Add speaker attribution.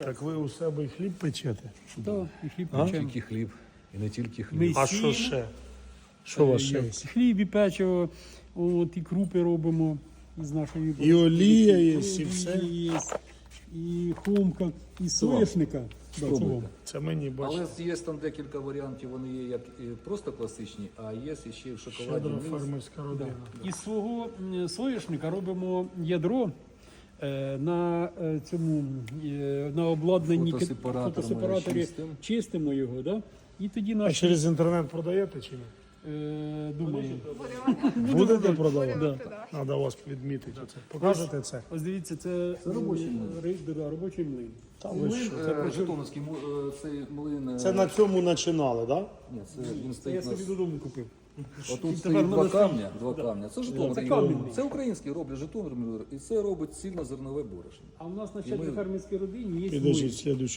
Speaker 1: Так ви у себе і хліб печете?
Speaker 2: Так, і хліб
Speaker 1: А?
Speaker 2: печемо.
Speaker 3: Тільки хліб. І не тільки хліб.
Speaker 2: Ми
Speaker 1: А що
Speaker 2: сіємо,
Speaker 1: ще? Що у вас ще є?
Speaker 2: хліб і печиво, от, і крупи робимо із нашої
Speaker 1: І олія є, і
Speaker 2: олія
Speaker 1: все?
Speaker 2: є, і хомка, і соняшника. Да, це вам.
Speaker 1: Це мені бачите.
Speaker 3: Але є там декілька варіантів, вони є як і просто класичні, а є ще й в шоколаді.
Speaker 1: Щедра
Speaker 3: мікс.
Speaker 1: фермерська родина.
Speaker 2: Із свого соняшника робимо ядро на цьому на обладнанні
Speaker 3: Фотосепаратором чистим.
Speaker 2: чистимо його, да? І тоді
Speaker 1: А
Speaker 2: наші
Speaker 1: через інтернет продаєте чи ні?
Speaker 2: думаю.
Speaker 1: Будете продавати?
Speaker 2: Да.
Speaker 1: Треба вас відмітити. Це. Покажете це?
Speaker 2: Ось дивіться, це
Speaker 3: робочий млин.
Speaker 2: робочий млин.
Speaker 1: Та ви що?
Speaker 3: Житомирський цей млин.
Speaker 1: Це на цьому починали, так? Да?
Speaker 3: Ні, це він
Speaker 2: Це
Speaker 3: стоїть
Speaker 2: я
Speaker 3: на...
Speaker 2: собі додому купив.
Speaker 3: Отут
Speaker 2: тепер
Speaker 3: стоїть
Speaker 2: в
Speaker 3: два
Speaker 2: мене
Speaker 3: камня. Два камня. Це Житомир.
Speaker 2: Це камінний.
Speaker 3: Це український роблять Житомир, і це робить цільно-зернове борошно.
Speaker 2: А у нас на
Speaker 3: І ми-
Speaker 2: фермерській родині є
Speaker 1: Підождіть,
Speaker 2: млин.
Speaker 1: слідуючий.